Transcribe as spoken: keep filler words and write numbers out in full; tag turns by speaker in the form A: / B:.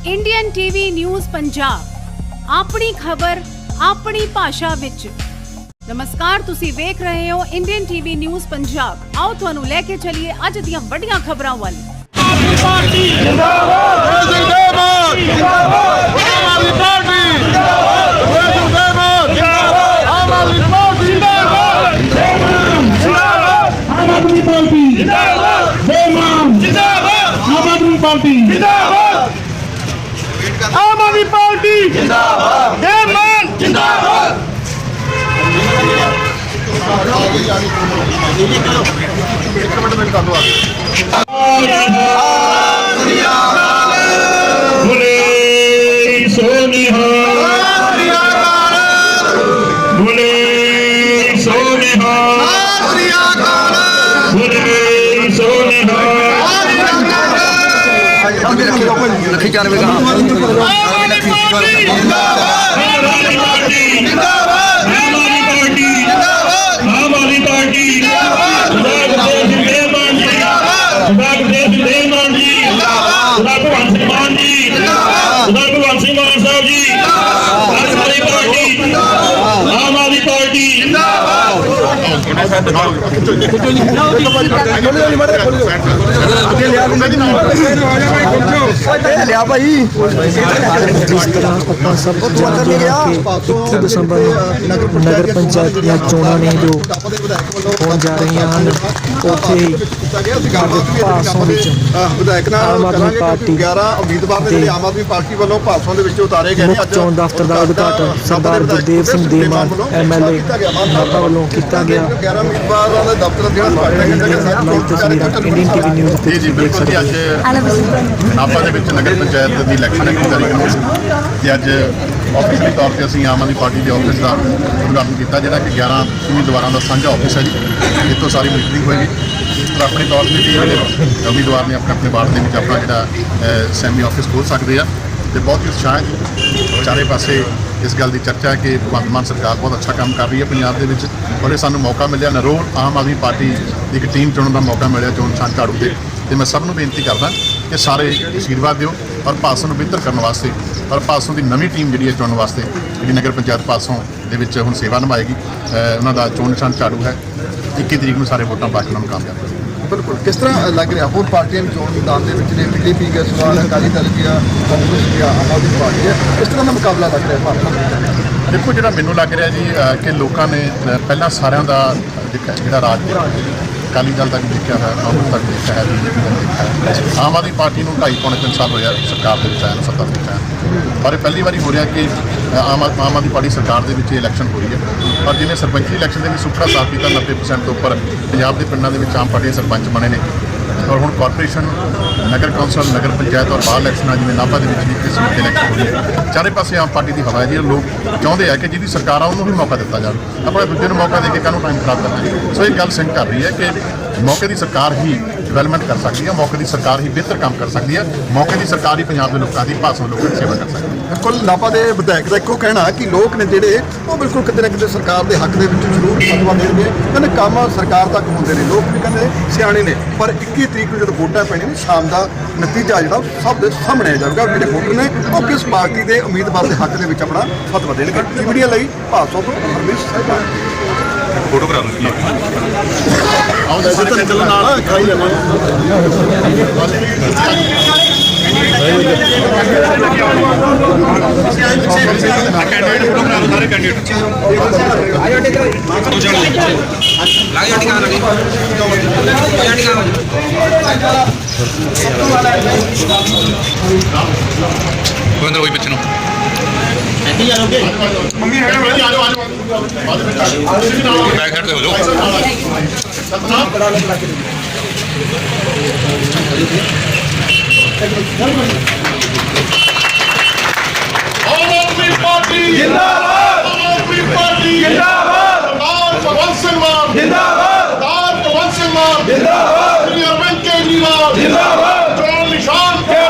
A: Indian TV news Punjab अपनी खबर अपनी भाषा विच। नमस्कार, तुसी वेख रहे हो इंडियन टीवी न्यूज़ पंजाब। आओ तुहानू लेके चलिए अज दियां वड्डियां खबरां वल।
B: आम आदमी पार्टी जिंदाबाद, जय मान जिंदाबाद।
C: बोले सोनिहा, बोले सोनिहा, बोले सोनिहा।
D: लखी चानवे कहाँ
C: आम आदमी पार्टी भगवंत सिंह मान जी, भगवंत सिंह मान साहब जी, आम आदमी पार्टी, आम आदमी पार्टी
D: लिया भाई।
E: जिस तरह ਆਪਾਂ ਸਭ ਜਾਣਦੇ ਹਾਂ ਕਿ ਇੱਕੀ ਦਸੰਬਰ ਨੂੰ ਨਗਰ ਪੰਚਾਇਤ ਦੀਆਂ ਚੋਣਾਂ ਨੇ ਜੋ ਹੋਣ ਜਾ ਰਹੀਆਂ ਹਨ, ਉੱਥੇ ਹੀ ਭਾਸੋਂ ਵਿੱਚ
D: ਵਿਧਾਇਕ
E: ਆਮ
D: ਨਾਲ
E: ਆਦਮੀ ਪਾਰਟੀ
D: ਗਿਆਰਾਂ ਉਮੀਦਵਾਰ ਨੇ ਜਿਹੜੇ ਆਮ ਆਦਮੀ ਪਾਰਟੀ ਵੱਲੋਂ ਭਾਸੋਂ ਦੇ ਵਿੱਚ ਉਤਾਰੇ ਗਏ ਨੇ।
E: ਮੁੱਖ ਚੋਣ ਦਫ਼ਤਰ ਦਾ ਉਦਘਾਟਨ Sardar Gurdev Singh Devmaan M L A Nabha ਵੱਲੋਂ ਕੀਤਾ ਗਿਆ।
D: ਗਿਆਰਾਂ ਉਮੀਦਵਾਰਾਂ ਦੇ ਦਫ਼ਤਰ ਜਿਹੜਾ ਉਦਘਾਟਨ ਕੀਤਾ ਗਿਆ।
E: ਲਾਈਵ ਤਸਵੀਰਾਂ ਇੰਡੀਅਨ ਟੀਵੀ ਨਿਊਜ਼ ਤੇ
F: ਜੀ ਬਿਲਕੁਲ ਜੀ। ਅੱਜ ਨਾਭਾ ਦੇ ਵਿੱਚ ਨਗਰ ਪੰਚਾਇਤ ਦੀ ਇਲੈਕਸ਼ਨ ਇੱਕ ਤਾਰੀਖ ਨੂੰ ਤੇ ਅੱਜ ਆਫਿਸ਼ਲੀ ਤੌਰ ਤੇ ਅਸੀਂ ਆਮ ਆਦਮੀ ਪਾਰਟੀ ਦੇ ਆਫਿਸ ਦਾ ਉਦਘਾਟਨ ਕੀਤਾ, ਜਿਹੜਾ ਕਿ ਗਿਆਰਾਂ ਉਮੀਦਵਾਰਾਂ ਦਾ ਸਾਂਝਾ ਆਫਿਸ ਹੈ ਜੀ। ਇੱਥੋਂ ਸਾਰੀ ਮੀਟਿੰਗ ਹੋਏਗੀ ਪਰ ਆਪਣੇ ਤੌਰ ਤੇ ਜਿਹੜੇ ਉਮੀਦਵਾਰ ਨੇ ਆਪਣੇ ਆਪਣੇ ਵਾਰਡ ਦੇ ਵਿੱਚ ਆਪਣਾ ਜਿਹੜਾ ਸੈਮੀ ਆਫਿਸ ਖੋਲ੍ਹ ਸਕਦੇ ਆ ਤੇ ਬਹੁਤ ਹੀ ਉਤਸ਼ਾਹ ਹੈ। ਚਾਰੇ ਪਾਸੇ ਇਸ ਗੱਲ ਦੀ ਚਰਚਾ ਹੈ ਕਿ ਭਗਵੰਤ ਮਾਨ ਸਰਕਾਰ ਬਹੁਤ ਅੱਛਾ ਕੰਮ ਕਰ ਰਹੀ ਹੈ ਪੰਜਾਬ ਦੇ ਵਿੱਚ, ਔਰ ਇਹ ਸਾਨੂੰ ਮੌਕਾ ਮਿਲਿਆ ਨਰੋਲ ਆਮ ਆਦਮੀ ਪਾਰਟੀ ਦੀ ਇੱਕ ਟੀਮ ਚੁਣਨ ਦਾ ਮੌਕਾ ਮਿਲਿਆ ਚੋਣ ਨਿਸ਼ਾਨ ਝਾੜੂ ਤੇ। ਤੇ ਮੈਂ ਸਭ ਨੂੰ ਬੇਨਤੀ ਕਰਦਾ ਕਿ ਸਾਰੇ ਅਸ਼ੀਰਵਾਦ ਦਿਓ ਔਰ ਭਾਸੋਂ ਨੂੰ ਬਿਹਤਰ ਕਰਨ ਵਾਸਤੇ, ਔਰ ਭਾਸੋਂ ਦੀ ਨਵੀਂ ਟੀਮ ਜਿਹੜੀ ਹੈ ਚੁਣਨ ਵਾਸਤੇ, ਜਿਹੜੀ ਨਗਰ ਪੰਚਾਇਤ ਭਾਸੋਂ ਦੇ ਵਿੱਚ ਹੁਣ ਸੇਵਾ ਨਿਭਾਏਗੀ। ਉਹਨਾਂ ਦਾ ਚੋਣ ਨਿਸ਼ਾਨ ਝਾੜੂ ਹੈ। ਇੱਕੀ ਤਰੀਕ ਨੂੰ ਸਾਰੇ ਵੋਟਾਂ ਪਾ ਕੇ ਉਹਨਾਂ ਨੂੰ ਕਾਮਯਾਬ ਕਰੋ।
D: ਬਿਲਕੁਲ। ਕਿਸ ਤਰ੍ਹਾਂ ਲੱਗ ਰਿਹਾ ਹੋਰ ਪਾਰਟੀਆਂ ਵੀ ਚੋਣ ਮੈਦਾਨ ਦੇ ਵਿੱਚ ਨੇ? ਬੀਜੇਪੀ ਗਿਆ, ਸਵਾਲ ਅਕਾਲੀ ਦਲ ਗਿਆ, ਕਾਂਗਰਸ ਗਿਆ, ਆਮ ਆਦਮੀ ਪਾਰਟੀ ਹੈ। ਇਸ ਤਰ੍ਹਾਂ ਦਾ ਮੁਕਾਬਲਾ ਲੱਗ ਰਿਹਾ ਭਾਰਤ?
F: ਦੇਖੋ, ਜਿਹੜਾ ਮੈਨੂੰ ਲੱਗ ਰਿਹਾ ਜੀ ਕਿ ਲੋਕਾਂ ਨੇ ਪਹਿਲਾਂ ਸਾਰਿਆਂ ਦਾ ਜਿਹੜਾ ਰਾਜ ਅਕਾਲੀ ਦਲ ਤੱਕ ਦੇਖਿਆ ਹੈ, ਕਾਂਗਰਸ ਤੱਕ ਦੇਖਿਆ ਹੈ, ਬੀਜੇਪੀ ਤੱਕ ਦੇਖਿਆ ਹੈ। ਆਮ ਆਦਮੀ ਪਾਰਟੀ ਨੂੰ ਢਾਈ ਪੌਣੇ ਤਿੰਨ ਸਾਲ ਹੋਇਆ ਸਰਕਾਰ ਦੇ ਵਿੱਚ ਆਇਆ ਨੂੰ, ਸੱਤਾ ਦੇ ਵਿੱਚ ਆਇਆ। ਪਰ ਇਹ ਪਹਿਲੀ ਵਾਰੀ ਹੋ ਰਿਹਾ ਕਿ ਆਮ ਆਮ ਆਦਮੀ ਪਾਰਟੀ ਸਰਕਾਰ ਦੇ ਵਿੱਚ ਇਲੈਕਸ਼ਨ ਹੋ ਰਹੀ ਹੈ। ਪਰ ਜਿਵੇਂ ਸਰਪੰਚੀ ਇਲੈਕਸ਼ਨ ਦੇ ਵਿੱਚ ਸੁੱਖਾ ਸਾਥ ਕੀਤਾ, ਨੱਬੇ ਪ੍ਰਸੈਂਟ ਤੋਂ ਉੱਪਰ ਪੰਜਾਬ ਦੇ ਪਿੰਡਾਂ ਦੇ ਵਿੱਚ ਆਮ ਪਾਰਟੀ ਦੇ ਸਰਪੰਚ ਬਣੇ ਨੇ। ਔਰ ਹੁਣ ਕਾਰਪੋਰੇਸ਼ਨ, ਨਗਰ ਕੌਂਸਲ, ਨਗਰ ਪੰਚਾਇਤ ਔਰ ਬਾਹਰ ਇਲੈਕਸ਼ਨਾਂ ਜਿਵੇਂ ਨਾਭਾ ਦੇ ਵਿੱਚ ਵੀ ਕਿਸ ਦੀ ਇਲੈਕਸ਼ਨ ਹੋ ਰਹੀ ਹੈ। ਚਾਰੇ ਪਾਸੇ ਆਮ ਪਾਰਟੀ ਦੀ ਹਵਾ ਹੈ ਜੀ। ਲੋਕ ਚਾਹੁੰਦੇ ਆ ਕਿ ਜਿਹਦੀ ਸਰਕਾਰ ਆ ਉਹਨੂੰ ਵੀ ਮੌਕਾ ਦਿੱਤਾ ਜਾਵੇ। ਆਪਣੇ ਦੂਜੇ ਨੂੰ ਮੌਕਾ ਦੇ ਕੇ ਕਾਹਨੂੰ ਟਾਈਮ ਖਰਾਬ ਕਰਨਾ ਹੈ। ਸੋ ਇਹ ਗੱਲ ਸਿੰਕ ਕਰ ਰਹੀ ਹੈ ਕਿ ਮੌਕੇ ਦੀ ਸਰਕਾਰ ਹੀ ਡਿਵੈਲਪਮੈਂਟ ਕਰ ਸਕਦੀ ਹੈ, ਮੌਕੇ ਦੀ ਸਰਕਾਰ ਹੀ ਬਿਹਤਰ ਕੰਮ ਕਰ ਸਕਦੀ ਹੈ, ਮੌਕੇ ਦੀ ਸਰਕਾਰ ਹੀ ਪੰਜਾਬ ਦੇ ਲੋਕਾਂ ਦੀ ਭਾਸ਼ਾ ਲੋਕਾਂ ਦੀ ਸੇਵਾ ਕਰ ਸਕਦੀ ਹੈ।
D: ਬਿਲਕੁਲ। ਨਾਭਾ ਦੇ ਵਿਧਾਇਕ ਦਾ ਇੱਕੋ ਕਹਿਣਾ ਕਿ ਲੋਕ ਨੇ ਜਿਹੜੇ ਉਹ ਬਿਲਕੁਲ ਕਿਤੇ ਨਾ ਕਿਤੇ ਸਰਕਾਰ ਦੇ ਹੱਕ ਦੇ ਵਿੱਚ ਜ਼ਰੂਰ ਫਤਵਾ ਦੇਣਗੇ। ਕਹਿੰਦੇ ਕੰਮ ਸਰਕਾਰ ਤੱਕ ਹੁੰਦੇ ਨੇ, ਲੋਕ ਵੀ ਕਹਿੰਦੇ ਸਿਆਣੇ ਨੇ। ਪਰ ਇੱਕੀ ਤਰੀਕ ਨੂੰ ਜਦੋਂ ਵੋਟਾਂ ਪੈਣੀਆਂ ਨੇ, ਸ਼ਾਮ ਦਾ ਨਤੀਜਾ ਜਿਹੜਾ ਸਭ ਦੇ ਸਾਹਮਣੇ ਆ ਜਾਊਗਾ। ਜਿਹੜੇ ਵੋਟਰ ਨੇ ਉਹ ਕਿਸ ਪਾਰਟੀ ਦੇ ਉਮੀਦਵਾਰ ਦੇ ਹੱਕ ਦੇ ਵਿੱਚ ਆਪਣਾ ਫਤਵਾ ਦੇਣਗੇ। ਮੀਡੀਆ ਲਈ ਭਾਸੋਂ ਤੋਂ ਹਰਮੇਸ਼ ਸਾਹਿਬਾਨ।
F: ਫੋਟੋ ਕਰਾ ਲਓ।
D: ਆਓ ਦੱਸੋ ਤਾਂ ਚੱਲਣ ਨਾਲ ਖਾਈ ਲੈਣਾ।
F: ਕੋਇੰਦਰ ਕੋਈ ਪਿੱਛੇ ਨੂੰ
D: ਮੰਮੀ ਹੈ ਆ ਜਾਓ ਆ ਜਾਓ
F: ਬੈਕ ਸਾਈਡ ਤੇ ਹੋ ਜਾਓ।
B: आम आदमी पार्टी जिंदाबाद, आम आदमी पार्टी जिंदाबाद, सरदार भगवंत सिंह मान जिंदाबाद, सरदार भगवंत सिंह मान जिंदाबाद, श्री अरविंद केजरीवाल जिंदाबाद, चोण निशान